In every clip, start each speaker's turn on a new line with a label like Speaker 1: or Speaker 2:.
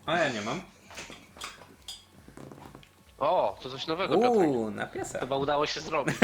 Speaker 1: A ja nie mam.
Speaker 2: O, to coś nowego, Piotrek.
Speaker 1: Na piesa.
Speaker 2: Chyba udało się zrobić.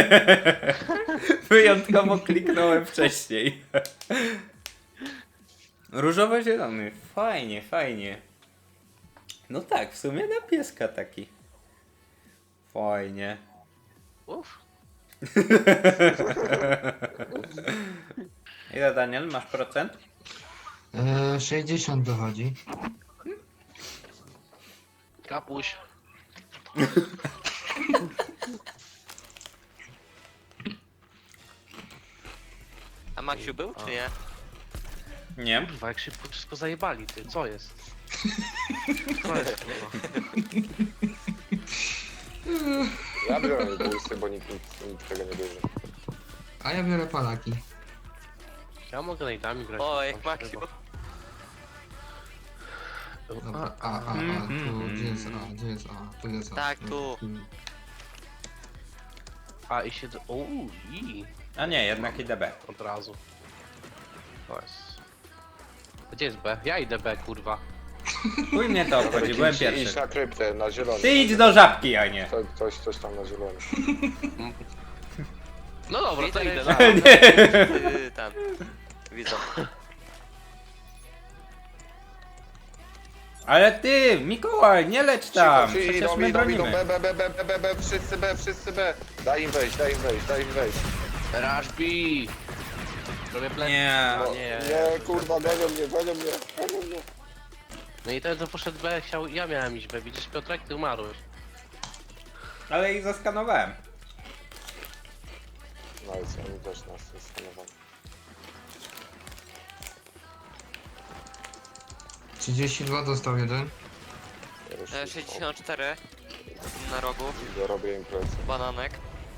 Speaker 1: Wyjątkowo kliknąłem wcześniej. Różowo-zielony. Fajnie, fajnie. No tak, w sumie na pieska taki. Fajnie.
Speaker 2: Uff.
Speaker 1: Ile, Daniel, masz procent?
Speaker 3: 60 dochodzi.
Speaker 2: Kapuś.
Speaker 4: A Maksiu był, czy nie?
Speaker 1: Nie.
Speaker 2: Kurwa, jak szybko wszystko zajebali, ty, co jest? Co jest, kurwa?
Speaker 5: Ja biorę impulsy, bo nikt tego nie bierze.
Speaker 3: A ja biorę palaki.
Speaker 2: Ja mogę najdami grać.
Speaker 4: O,
Speaker 2: tam
Speaker 4: jak
Speaker 2: się
Speaker 4: Maksiu.
Speaker 2: chyba.
Speaker 3: Dobra, tu, gdzie jest A, gdzie jest A, tu jest A.
Speaker 4: Tak, tu.
Speaker 2: A i siedzę. Uuu, i
Speaker 1: A nie, jednak idę B.
Speaker 2: od razu. To jest. Gdzie jest B? Ja idę B, kurwa.
Speaker 1: Chuj mnie to obchodzi, byłem
Speaker 5: Idź
Speaker 1: pierwszy.
Speaker 5: na kryptę, na zielony.
Speaker 1: Ty idź do żabki, a nie.
Speaker 5: Coś tam na zielony.
Speaker 2: No dobra, to idę.
Speaker 4: Widzę,
Speaker 2: Na.
Speaker 4: tam. Widzę.
Speaker 1: Ale ty, Mikołaj, nie leć tam.
Speaker 5: Cicho,
Speaker 1: Przecież
Speaker 5: idą,
Speaker 1: my
Speaker 5: idą,
Speaker 1: bronimy.
Speaker 5: B, wszyscy B. Daj im wejść.
Speaker 2: Rush B! Robię plec.
Speaker 1: Nie.
Speaker 5: No,
Speaker 2: nie.
Speaker 5: nie, kurwa, gonią mnie.
Speaker 2: No i ten co poszedł B chciał. Ja miałem iść B. Widzisz, Piotrek, ty umarłeś.
Speaker 1: Ale ich zaskanowałem.
Speaker 5: No i co, oni też nas skanowali.
Speaker 3: 32 dostał jeden.
Speaker 5: Ja już
Speaker 4: 64 na rogu,
Speaker 5: ja robię im plecy.
Speaker 4: bananek.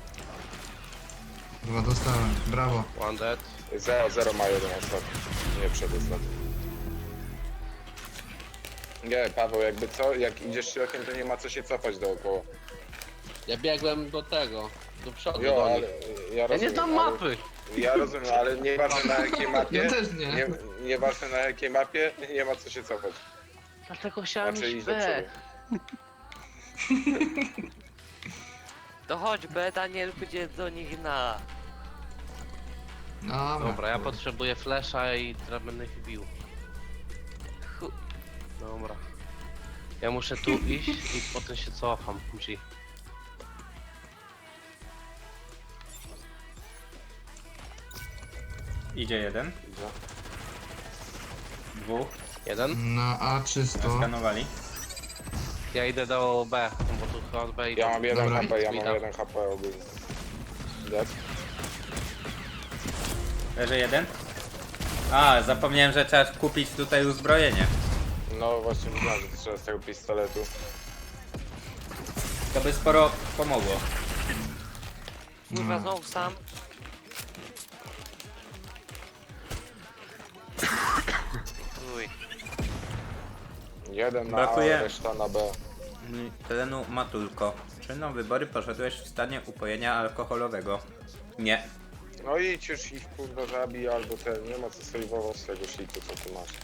Speaker 3: 2 dostałem, brawo.
Speaker 2: One dead.
Speaker 5: 0 ma jeden ostatni. Nie przedostatni. Nie, Paweł, jakby co, jak idziesz środkiem, to nie ma co się cofać dookoła.
Speaker 2: Ja biegłem do tego. Do przodu
Speaker 5: Jo,
Speaker 2: do
Speaker 5: ale
Speaker 2: nich.
Speaker 5: ja
Speaker 2: Ja
Speaker 5: rozumiem.
Speaker 2: nie znam
Speaker 5: ale-
Speaker 2: mapy.
Speaker 5: Ja rozumiem, ale nieważne na jakiej mapie.
Speaker 3: Ja też nie.
Speaker 5: Nieważne na jakiej mapie, nie ma co się cofać.
Speaker 2: Dlatego chciałem
Speaker 5: Znaczy
Speaker 2: iść
Speaker 5: iść do
Speaker 2: B.
Speaker 5: przodu.
Speaker 4: To chodź, B, Daniel pójdzie do nich na...
Speaker 2: Dobra, ja potrzebuję flesza i teraz będę ich bił.
Speaker 4: Chu-
Speaker 2: Dobra. Ja muszę tu iść i potem się cofam. G.
Speaker 1: Idzie jeden,
Speaker 5: Idzie.
Speaker 1: dwóch,
Speaker 2: Jeden.
Speaker 3: Na A czysto.
Speaker 1: skanowali.
Speaker 2: Ja idę do B, bo tu chyba B idę.
Speaker 5: Ja mam 1
Speaker 3: Dobra.
Speaker 5: HP, ja mam
Speaker 2: Witam.
Speaker 5: 1 HP ogólnie. Dead?
Speaker 1: Leży jeden. A, zapomniałem, że trzeba kupić tutaj uzbrojenie.
Speaker 5: No właśnie widziałem, że trzeba z tego pistoletu.
Speaker 1: To by sporo pomogło.
Speaker 4: Kurwa,
Speaker 3: No.
Speaker 4: znowu sam. Uj.
Speaker 5: Jeden na
Speaker 1: Brakuje.
Speaker 5: A, reszta na B.
Speaker 1: Terenu Matulko. Czy na wybory poszedłeś w stanie upojenia alkoholowego? Nie.
Speaker 5: No idź już ich kurwa zabij albo ten, nie ma co sejwować z tego shitu co ty masz.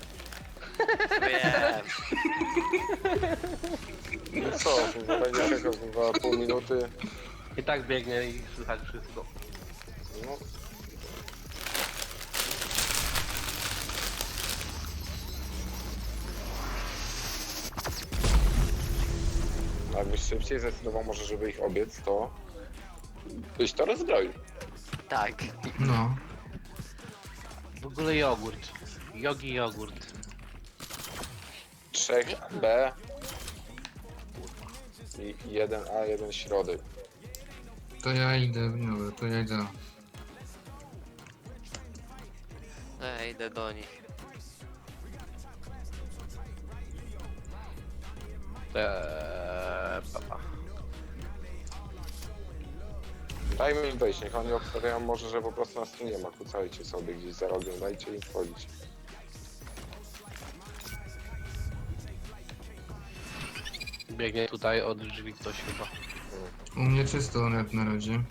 Speaker 4: Wiem.
Speaker 5: I co, kurwa będzie czekał kurwa pół minuty.
Speaker 2: I tak biegnie i słychać wszystko.
Speaker 5: No. Jakbyś szybciej zdecydował może, żeby ich obiec, to byś to rozbroił.
Speaker 4: Tak.
Speaker 3: No.
Speaker 2: W ogóle jogurt. Jogi jogurt.
Speaker 5: 3B i 1A, 1 środek.
Speaker 3: To ja idę, dobra, to ja idę.
Speaker 4: Idę do nich.
Speaker 2: Papa.
Speaker 5: Dajmy im wejść, niech oni obstawiają może, że po prostu nas tu nie ma. Kucajcie sobie gdzieś za rogiem, dajcie im wchodzić.
Speaker 2: Biegnie tutaj od drzwi ktoś chyba.
Speaker 3: U mnie czysto net na razie.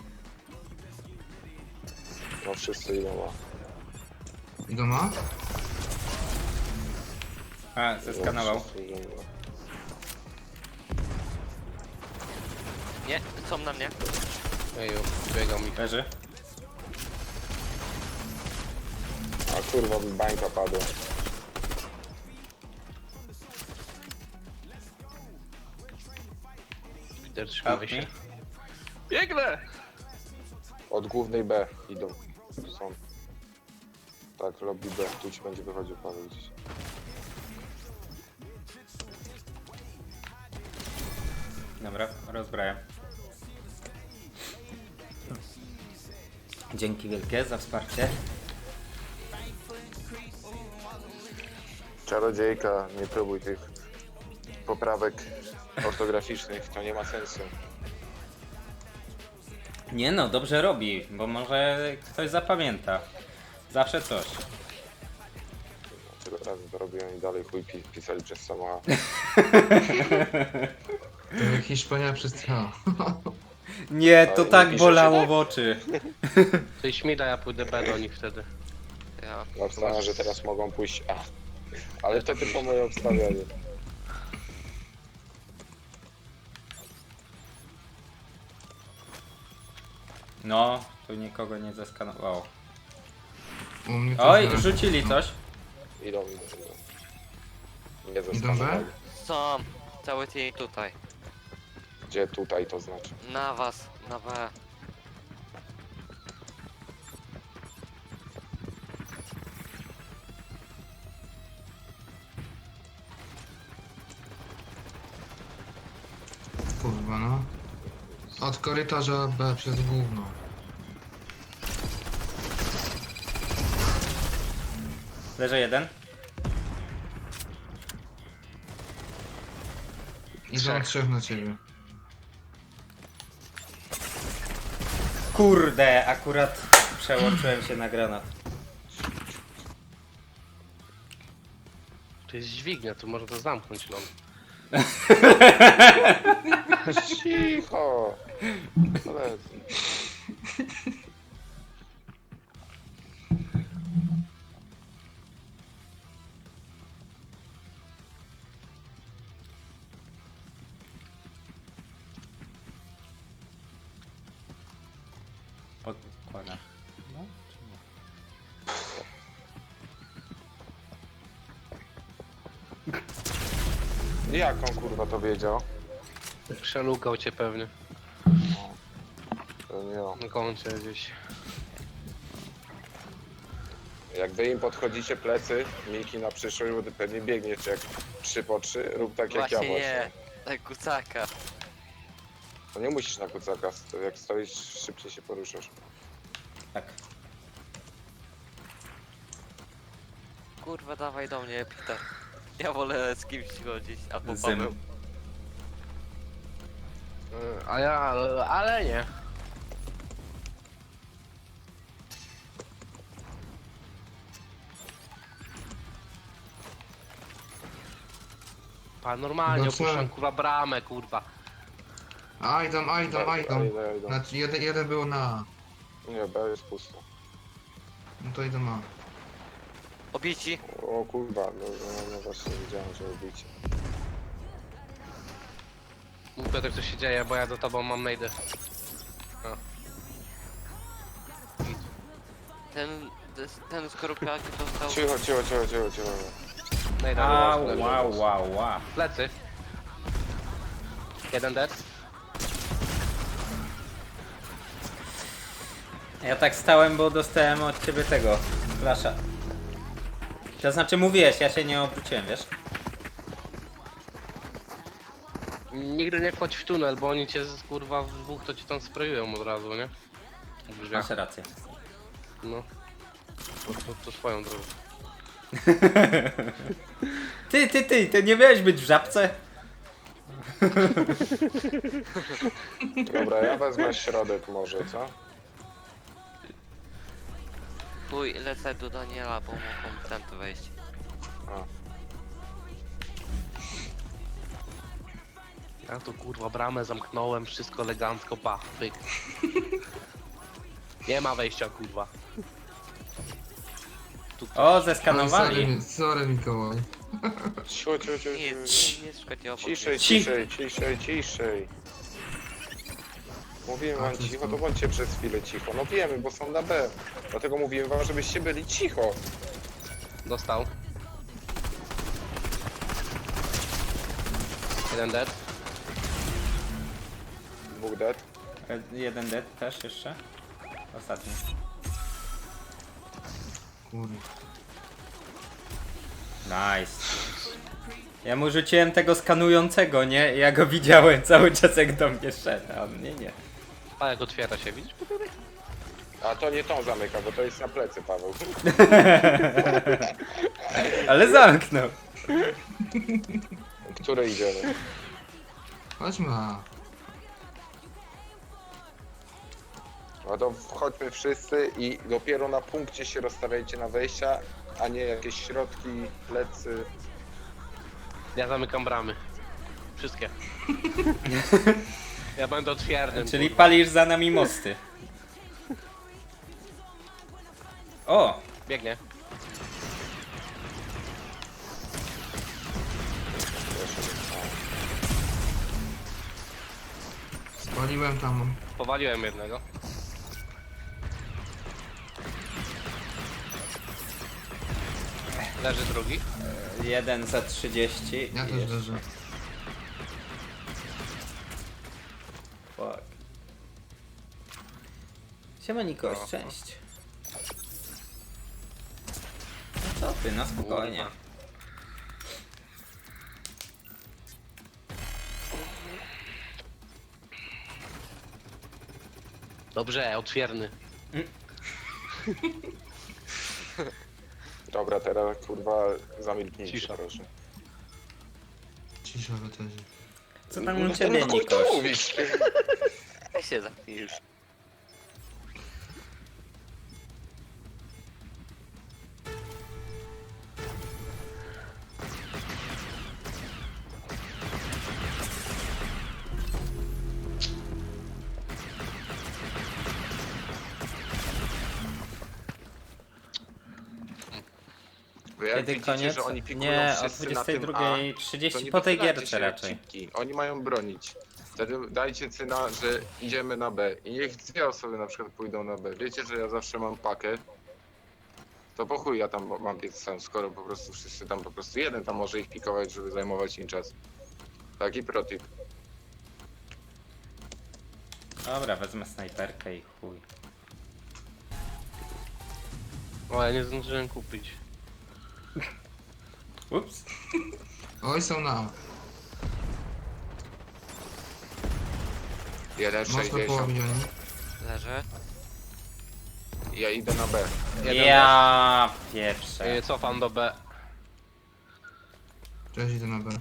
Speaker 5: No wszyscy idą A.
Speaker 3: Idą A?
Speaker 1: A, zeskanował.
Speaker 4: Nie, są na mnie.
Speaker 2: Eju, biegam mi.
Speaker 1: Leży.
Speaker 5: A kurwa, mi bańka padła.
Speaker 2: Peter, trzymaj się.
Speaker 1: Kapnij.
Speaker 2: Biegnę!
Speaker 5: Od głównej B idą. Tu są. Tak, lobby B. Tu ci będzie wychodził Paweł gdzieś.
Speaker 1: Dobra, rozbrajam. Dzięki wielkie za wsparcie.
Speaker 5: Czarodziejka, nie próbuj tych poprawek ortograficznych, to nie ma sensu.
Speaker 1: Nie no, dobrze robi, bo może ktoś zapamięta. Zawsze coś.
Speaker 5: Tyle razy to robiłem i dalej chuj pisali przez sama.
Speaker 3: To jak Hiszpania przez H.
Speaker 1: Nie, to
Speaker 5: Ale
Speaker 1: tak
Speaker 5: nie pisze
Speaker 1: bolało
Speaker 5: się
Speaker 1: w oczy.
Speaker 2: Ty śmida, ja pójdę B do nich wtedy.
Speaker 4: Ja.
Speaker 5: Ja wstałem, że teraz mogą pójść A. Ale to tylko moje obstawianie.
Speaker 1: No, tu nikogo nie zeskanowało.
Speaker 3: U mnie to
Speaker 1: Oj,
Speaker 3: źle.
Speaker 1: rzucili coś.
Speaker 5: Idą. Nie
Speaker 3: Idą B?
Speaker 5: zeskanowali.
Speaker 4: Są. Cały team tutaj.
Speaker 5: Gdzie tutaj to znaczy?
Speaker 4: Na was, na B.
Speaker 3: Kurwa no. Od korytarza B przez gówno.
Speaker 1: Leży jeden.
Speaker 3: Idą trzech na ciebie.
Speaker 1: Kurde, akurat przełączyłem się na granat.
Speaker 2: To jest dźwignia, to można to zamknąć, no.
Speaker 5: Cicho! Koledzy.
Speaker 1: Podkładam. No, czy nie?
Speaker 5: Jak on kurwa to wiedział?
Speaker 2: Przelukał cię pewnie.
Speaker 5: To nie on.
Speaker 2: Na koncie gdzieś.
Speaker 5: Jak wy im podchodzicie plecy, Miki na przyszłość, bo ty pewnie biegniesz jak 3 po 3, rób tak jak ja
Speaker 4: Właśnie
Speaker 5: właśnie.
Speaker 4: nie. Tak kucaka.
Speaker 5: To nie musisz na kucaka, jak stoisz szybciej się poruszasz.
Speaker 1: Tak.
Speaker 4: Kurwa, dawaj do mnie, Peter. Ja wolę z kimś chodzić, albo
Speaker 1: Zym.
Speaker 4: Paweł.
Speaker 2: A ja, ale nie. Pa, normalnie
Speaker 3: No co?
Speaker 2: opuszczam kurwa bramę, kurwa.
Speaker 3: A idą.
Speaker 5: Idą.
Speaker 3: Znaczy jeden był na A.
Speaker 5: Nie, B jest pusto.
Speaker 3: No to idą A.
Speaker 4: Obici.
Speaker 5: O kurwa, no właśnie wiedziałem, że robicie.
Speaker 2: Mów Piotrek, co się dzieje, bo ja do tobą mam najdę.
Speaker 4: Ten skorupiak dostał...
Speaker 5: Cicho.
Speaker 2: Najda,
Speaker 1: Au,
Speaker 2: leży.
Speaker 1: wow.
Speaker 2: Plecy. Jeden dead.
Speaker 1: Ja tak stałem, bo dostałem od ciebie tego flasha. To znaczy mówiłeś, ja się nie obróciłem, wiesz?
Speaker 2: Nigdy nie wchodź w tunel, bo oni cię kurwa w dwóch to ci tam sprayują od razu, nie? W drzwiach.
Speaker 1: Masz rację.
Speaker 2: No. To swoją drogą.
Speaker 1: Ty nie miałeś być w żabce?
Speaker 5: Dobra, ja wezmę środek może, co?
Speaker 4: Chuj, lecę do Daniela, bo mogą ten wejść.
Speaker 5: A.
Speaker 2: Ja tu kurwa bramę zamknąłem, wszystko elegancko, pach, pyk. Nie ma wejścia kurwa. Tu
Speaker 1: O,
Speaker 3: Ale
Speaker 1: zeskanowali.
Speaker 3: sorry Mikołaj.
Speaker 5: Cicho, cicho, cicho,
Speaker 4: Nie,
Speaker 5: cicho.
Speaker 4: nie szukajcie obok.
Speaker 5: Ciszej,
Speaker 4: mnie.
Speaker 5: ciszej, ciszej, ciszej. Mówiłem
Speaker 3: A,
Speaker 5: wam
Speaker 3: to
Speaker 5: cicho,
Speaker 3: jest
Speaker 5: to
Speaker 3: to.
Speaker 5: bądźcie przez chwilę cicho. No wiemy, bo są na B. Dlatego mówiłem wam, żebyście byli cicho.
Speaker 2: Dostał. Jeden dead.
Speaker 5: Dwóch dead.
Speaker 1: Jeden dead też jeszcze. Ostatni.
Speaker 3: Kurde.
Speaker 1: Nice. Ja mu rzuciłem tego skanującego, nie? Ja go widziałem cały czas jak do mnie szedł, a on nie.
Speaker 2: A jak otwiera się, widzisz?
Speaker 5: A to nie tą zamyka, bo to jest na plecy, Paweł.
Speaker 1: Ale zamknął.
Speaker 5: Które idziemy?
Speaker 3: Chodźmy na...
Speaker 5: No to wchodźmy wszyscy i dopiero na punkcie się rozstawiajcie na wejścia, a nie jakieś środki, plecy.
Speaker 2: Ja zamykam bramy. Wszystkie. Ja będę otwiernym.
Speaker 1: Czyli
Speaker 2: kurwa.
Speaker 1: palisz za nami mosty. O!
Speaker 2: Biegnie.
Speaker 3: Spaliłem tam.
Speaker 2: Powaliłem jednego. Leży drugi.
Speaker 1: Jeden za 30.
Speaker 3: Ja
Speaker 1: i
Speaker 3: też
Speaker 1: jeszcze-
Speaker 3: leżę.
Speaker 1: Fuck. Siema Nikoś,
Speaker 2: No.
Speaker 1: cześć. No co ty, na spokojnie.
Speaker 2: Kurwa. Dobrze, otwierny.
Speaker 5: Dobra, teraz kurwa zamilknijcie,
Speaker 2: Cisza.
Speaker 5: proszę.
Speaker 3: Cisza w eterze.
Speaker 1: Co tam u ciebie,
Speaker 5: chuj to
Speaker 1: Nikoś?
Speaker 5: mówisz?
Speaker 4: Weź się zamknij już.
Speaker 5: Wy jak
Speaker 1: Kiedy
Speaker 5: widzicie,
Speaker 1: koniec?
Speaker 5: że oni pikują
Speaker 1: Nie, o
Speaker 5: wszyscy na tym A, to
Speaker 1: 22:30
Speaker 5: nie
Speaker 1: po tej
Speaker 5: wychylajcie
Speaker 1: gierce
Speaker 5: się jak
Speaker 1: raczej.
Speaker 5: cipki. Oni mają bronić. Wtedy dajcie cyna, że idziemy na B. I niech dwie osoby na przykład pójdą na B. Wiecie, że ja zawsze mam pakę. To po chuj ja tam mam biec sam, skoro po prostu wszyscy tam po prostu jeden tam może ich pikować, żeby zajmować im czas. Taki protip.
Speaker 1: Dobra, wezmę snajperkę i chuj.
Speaker 2: O, ja nie zdążyłem kupić.
Speaker 1: Ups.
Speaker 3: Oj, są na... Mocno
Speaker 5: 1,60.
Speaker 3: połowieni.
Speaker 4: Leży.
Speaker 5: Ja idę na B.
Speaker 1: Ja pieprzę.
Speaker 2: Cofam do B.
Speaker 3: Cześć, idę na B.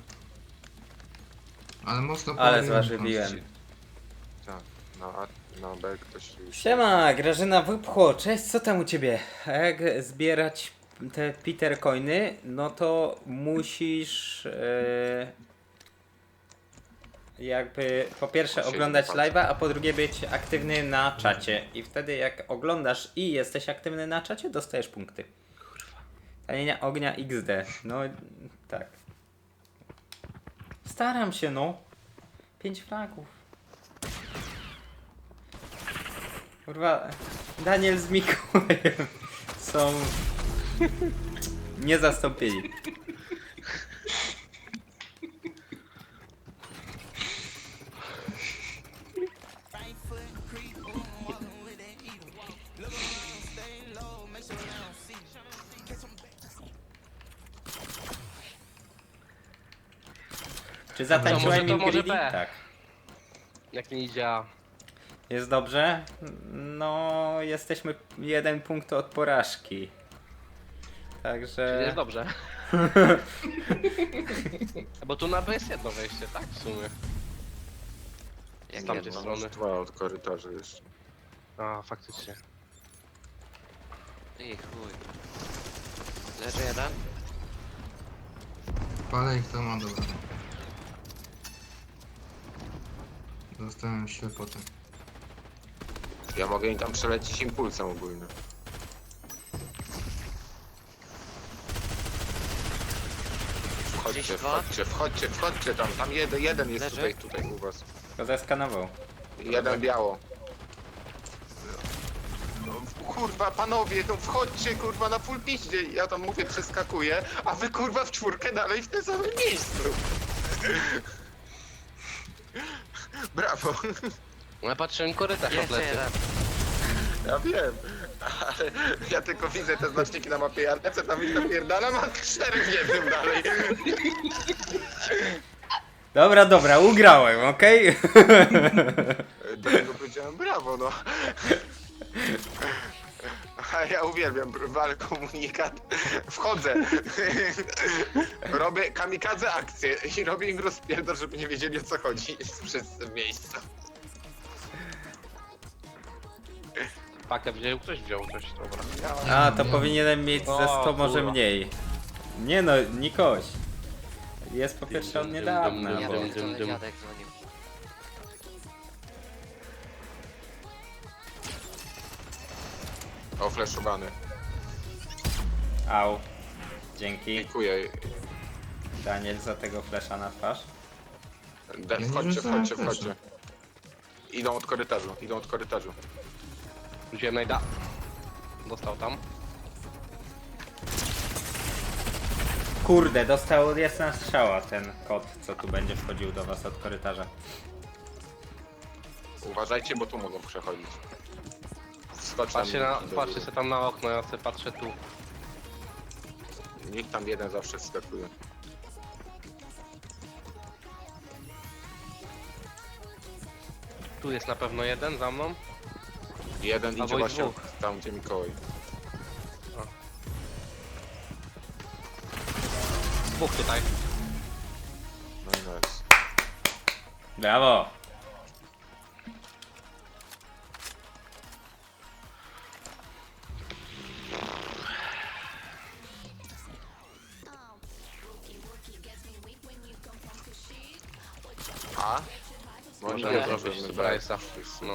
Speaker 3: Ale mocno
Speaker 1: Ale
Speaker 3: połowieni
Speaker 1: zważywiłem.
Speaker 3: kończy.
Speaker 5: Tak, na B ktoś już...
Speaker 1: Siema, Grażyna Wypchło, cześć, co tam u ciebie? A jak zbierać te Peter coiny, no to musisz jakby po pierwsze
Speaker 5: Siedzieć
Speaker 1: oglądać
Speaker 5: palce.
Speaker 1: live'a, a po drugie być aktywny na czacie. I wtedy jak oglądasz i jesteś aktywny na czacie, dostajesz punkty. Tanienia ognia XD, no tak. Staram się, no. 5 fragów. Kurwa, Daniel z Mikołajem są niezastąpieni. Czy zatańczyłem
Speaker 2: To może
Speaker 1: im
Speaker 2: B.
Speaker 1: Tak.
Speaker 2: Jak nie idzie A.
Speaker 1: Jest dobrze? No, jesteśmy 1 punkt od porażki.
Speaker 2: Czyli
Speaker 1: Także...
Speaker 2: jest dobrze. Bo tu na B jest jedno wejście, tak? W sumie.
Speaker 4: Jak
Speaker 2: Z tamtej
Speaker 4: jedno.
Speaker 2: strony.
Speaker 5: Dwa od korytarza jeszcze.
Speaker 2: A, faktycznie.
Speaker 4: I chuj. Leży jeden.
Speaker 3: Palę ich tam, a dobra. Dostałem ślepotę.
Speaker 5: Ja mogę im tam przelecieć impulsem ogólnym. Wchodźcie,
Speaker 4: dwa.
Speaker 5: wchodźcie tam. Tam jeden jest
Speaker 4: Leży.
Speaker 5: tutaj u was.
Speaker 1: Tylko zeskanował.
Speaker 5: Jeden biało. No, kurwa, panowie, no wchodźcie, kurwa, na full piździe. Ja tam mówię, przeskakuję, a wy, kurwa, w czwórkę dalej w tym samym miejscu. Brawo.
Speaker 2: No ja patrzyłem korytarz
Speaker 4: Jeszcze
Speaker 2: odleciał.
Speaker 4: jeden.
Speaker 5: Ja wiem, ale ja tylko widzę te znaczniki na mapie, ja lecę tam ich napierdalam, a 4 w jednym dalej.
Speaker 1: Dobra, ugrałem, okej?
Speaker 5: Do niego powiedziałem brawo, no. A ja uwielbiam wal komunikat. Wchodzę. Robię kamikadze akcję i robię im rozpierdol, żeby nie wiedzieli, o co chodzi. Wszyscy w miejscu.
Speaker 2: Pakę wziął, ktoś wziął coś, dobra.
Speaker 1: A, to powinienem mieć ze 100
Speaker 2: O,
Speaker 1: może
Speaker 2: kurwa.
Speaker 1: mniej. Nie no, Nikoś. Jest po pierwsze od niedawna,
Speaker 4: Ja
Speaker 1: bo...
Speaker 4: pierdolę, dziadek dzwonił.
Speaker 5: O, fleszowany.
Speaker 1: Au. Dzięki,
Speaker 5: Dziękuję.
Speaker 1: Daniel, za tego flesza na twarz.
Speaker 3: nie
Speaker 5: Wchodźcie,
Speaker 3: rzucałem
Speaker 5: wchodźcie,
Speaker 3: flesza.
Speaker 5: wchodźcie. Idą od korytarzu.
Speaker 2: Wziąłem najda. Dostał tam.
Speaker 1: Kurde, dostał jasna strzała ten kot, co tu będzie wchodził do was od korytarza.
Speaker 5: Uważajcie, bo tu mogą przechodzić. Skocz tam.
Speaker 2: Patrzcie sobie tam na okno, ja sobie patrzę tu.
Speaker 5: Niech tam jeden zawsze wskakuje.
Speaker 2: Tu jest na pewno jeden za mną.
Speaker 5: Jeden idzie
Speaker 2: Albo i
Speaker 5: właśnie
Speaker 2: dwóch.
Speaker 5: tam, gdzie Mikołaj.
Speaker 2: Dwóch tutaj.
Speaker 5: No i nice.
Speaker 1: Brawo!
Speaker 5: A? Może
Speaker 2: Możemy
Speaker 5: nie
Speaker 2: zrobić
Speaker 5: zrobimy
Speaker 2: surprise'a. No.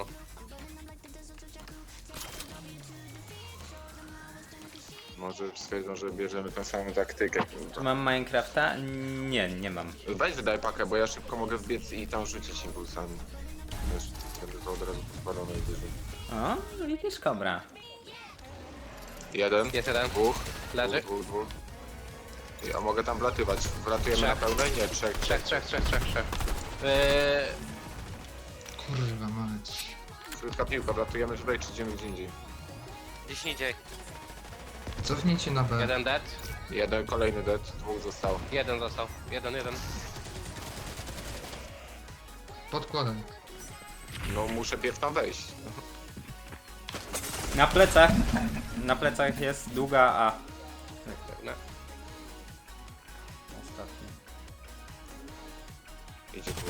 Speaker 5: Może stwierdzą, że bierzemy tę samą taktykę.
Speaker 1: Mam Minecrafta? Nie mam.
Speaker 5: Weź wydaj pakę, bo ja szybko mogę wbiec i tam rzucić impulsami. Wiesz, wtedy to od razu podpalone i wyżej.
Speaker 1: O, widzisz, kobra.
Speaker 5: Jeden,
Speaker 2: Jest jeden.
Speaker 5: dwóch,
Speaker 2: Leży.
Speaker 5: dwóch. Ja mogę tam wlatywać. Wlatujemy
Speaker 2: Trzech.
Speaker 5: na pełne? Nie, trzech.
Speaker 2: Trzech.
Speaker 3: Kurwa mać.
Speaker 5: Krótka piłka, wlatujemy tutaj czy idziemy gdzie indziej.
Speaker 4: Gdzieś indziej.
Speaker 3: Cofnijcie na B.
Speaker 2: Jeden dead.
Speaker 5: Jeden, kolejny dead, dwóch zostało.
Speaker 2: Jeden został. Jeden.
Speaker 3: Podkładaj.
Speaker 5: No muszę pierw tam wejść.
Speaker 1: Na plecach. Na plecach jest długa A.
Speaker 2: No.
Speaker 1: Ostatni.
Speaker 5: Idzie tu.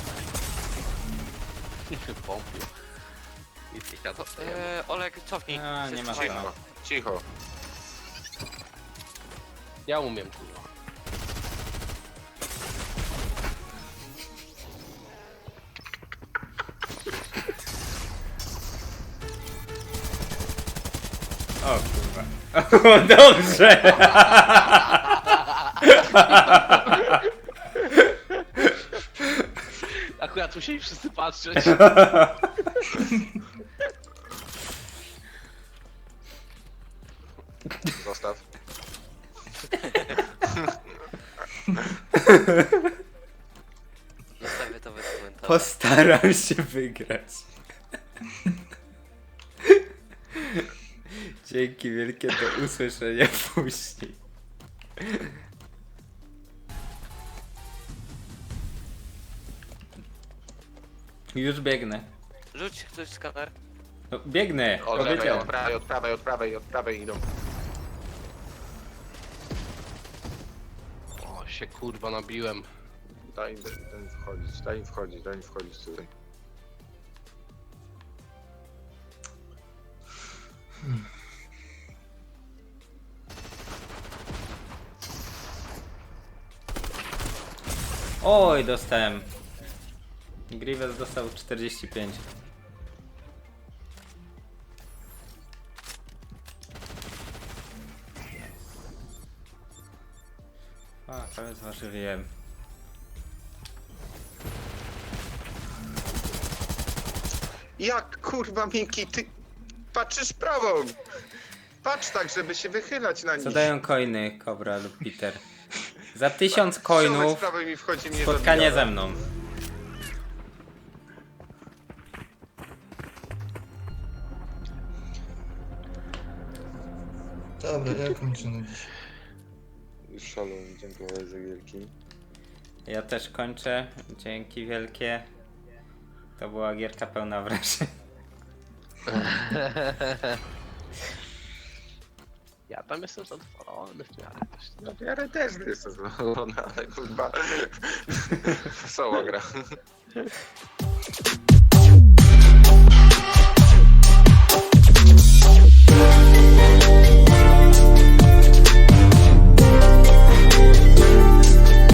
Speaker 2: Pompił. I tyka to.
Speaker 4: Olek, cofnij.
Speaker 1: A, nie ma
Speaker 4: Wszyscy
Speaker 1: co.
Speaker 5: Cicho, cicho.
Speaker 2: Ja umiem, kurwa.
Speaker 1: O kurwa. O, dobrze!
Speaker 2: Akurat musieli wszyscy patrzeć.
Speaker 5: Zostaw.
Speaker 4: Zostawię to bez komentarza.
Speaker 1: Postaram się wygrać. Dzięki wielkie, do usłyszenia później. Już biegnę.
Speaker 4: Rzuć ktoś skaner.
Speaker 1: No, biegnę,
Speaker 5: Od lewej,
Speaker 1: powiedziałem.
Speaker 5: od prawej idą.
Speaker 2: O, się kurwa nabiłem.
Speaker 5: Daj im wchodzić tutaj.
Speaker 1: Oj, dostałem. Grievous dostał 45. Fuck. Prawie zważywiłem.
Speaker 5: Jak kurwa Miki, ty patrzysz prawą! Patrz tak, żeby się wychylać na nich.
Speaker 1: Co dają coiny, Kobra lub Peter? Za 1000
Speaker 5: Przełomać
Speaker 1: coinów
Speaker 5: prawo i mi wchodzi mnie
Speaker 1: spotkanie
Speaker 5: zabija.
Speaker 1: ze mną.
Speaker 3: Dobra, ja kończę na dziś.
Speaker 5: Szalon, dziękuję za wielki.
Speaker 1: Ja też kończę. Dzięki wielkie. To była gierka pełna wrażeń.
Speaker 2: Ja tam jestem zadowolony w miarę też.
Speaker 5: No w miarę też jestem zadowolony, ale kurwa... Wesoła gra.